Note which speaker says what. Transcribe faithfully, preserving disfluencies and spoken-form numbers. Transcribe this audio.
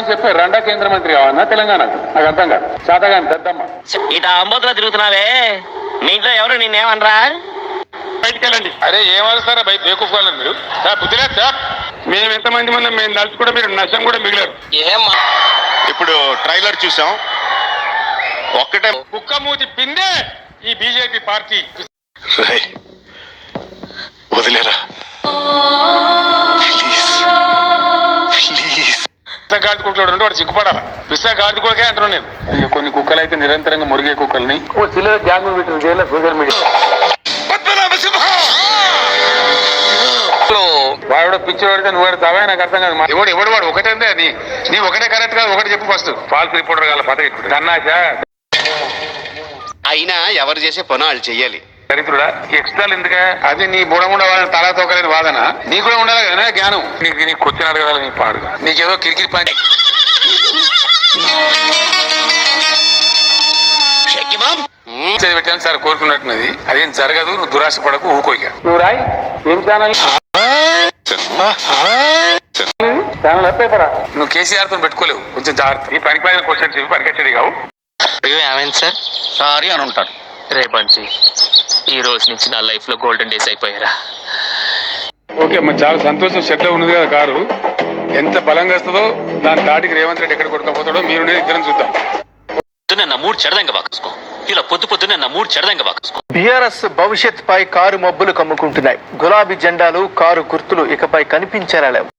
Speaker 1: అని చెప్పి రెండా కేంద్ర మంత్రి కావన్నా తెలంగాణకు? నాకు అర్థం కాదు. శాతగాని దద్దమ్మ
Speaker 2: ఇట అంబోతులో తిరుగుతున్నావే, మీ ఇంట్లో ఎవరు నిన్నేమనరా?
Speaker 1: బయటికి వెళ్ళండి. అరే ఏమరుస్తారా బయట బేకూఫాలని మీరు? బుద్ధిలే సార్, మేము ఎంతమంది మనం మేము నలిసి కూడా మీరు నష్టం కూడా మిగిలారు.
Speaker 2: ఏమ్మా
Speaker 3: ఇప్పుడు ట్రైలర్ చూసాం, ఒక్కటే
Speaker 1: కుక్క మూతి పిందే ఈ బీజేపీ పార్టీ.
Speaker 3: వదిలేరా
Speaker 1: గాడి కుక్కలు ఉంటే వాడు సిగ్గుపడాలా? పిస్తా గాడి కుక్కలకే అంటున్నాను నేను. కొన్ని కుక్కలు అయితే నిరంతరంగా మురిగే కుక్కల్ని ఓ చిల్లర గ్యాంగ్ పెట్టిన చేయాలి సోషల్ మీడియా. వాడు పిచ్చి వాడితే నువ్వు వాడుతావా? నాకు అర్థం కాదు. ఎవడు ఎవడు వాడు ఒకటే నీ నీ ఒకటే కరెక్ట్ కాదు. ఒకటి చెప్పు ఫస్ట్. ఫాల్స్ రిపోర్టర్ కాల పదవి కన్నాశా
Speaker 3: అయినా ఎవరు చేసే పని వాళ్ళు చెయ్యాలి.
Speaker 1: చరిత్రుడా ఎక్స్ట్రాలు ఎందుక? అది నీ బుడముండ వాళ్ళని తలా తోకలేని వాదన నీకు కూడా ఉండాలి కదా జ్ఞానం. నీకు నీకు కొచ్చిన అడగాలి నీ పాడు. నీకేదో కిరికిరి పని పెట్టాను సార్ కోరుకున్నట్టున్నది. అదేం జరగదు. నువ్వు దురాశ పడకు, ఊకోక. నువ్వు రాయి ఏం ఛానల్ ఛానల్ పేపరా? నువ్వు కేసీఆర్ తో పెట్టుకోలేవు. కొంచెం జాగ్రత్త. ఈ పనికి పైన క్వశ్చన్స్ ఇవి పనికొచ్చేది కావు.
Speaker 2: ఏమైంది సార్?
Speaker 3: సారీ అని ఉంటాడు.
Speaker 2: రేపంచి ఈ రోజు నుంచి నా లైఫ్ లో గోల్డెన్ డేస్ అయిపోయారా?
Speaker 1: ఓకే మరి చాలా సంతోషం. షెడ్ ఉన్నది కదా కారు, ఎంత బలంగా వస్తుందో దాని తాటికి రేవంత్ రెడ్డి ఎక్కడ కొట్టుకపోతాడో మీరు ఇద్దరం చూద్దాం.
Speaker 2: పొద్దున్న నా మూడు చెడదంగా వాకేసుకో. ఇలా పొద్దు పొద్దున్న నా మూడు చెడదంగా వాకేసుకో.
Speaker 4: బీఆర్ఎస్ భవిష్యత్ పై కారు మబ్బులు కమ్ముకుంటున్నాయి. గులాబీ జెండాలు, కారు గుర్తులు ఇకపై కనిపించేలా లేవు.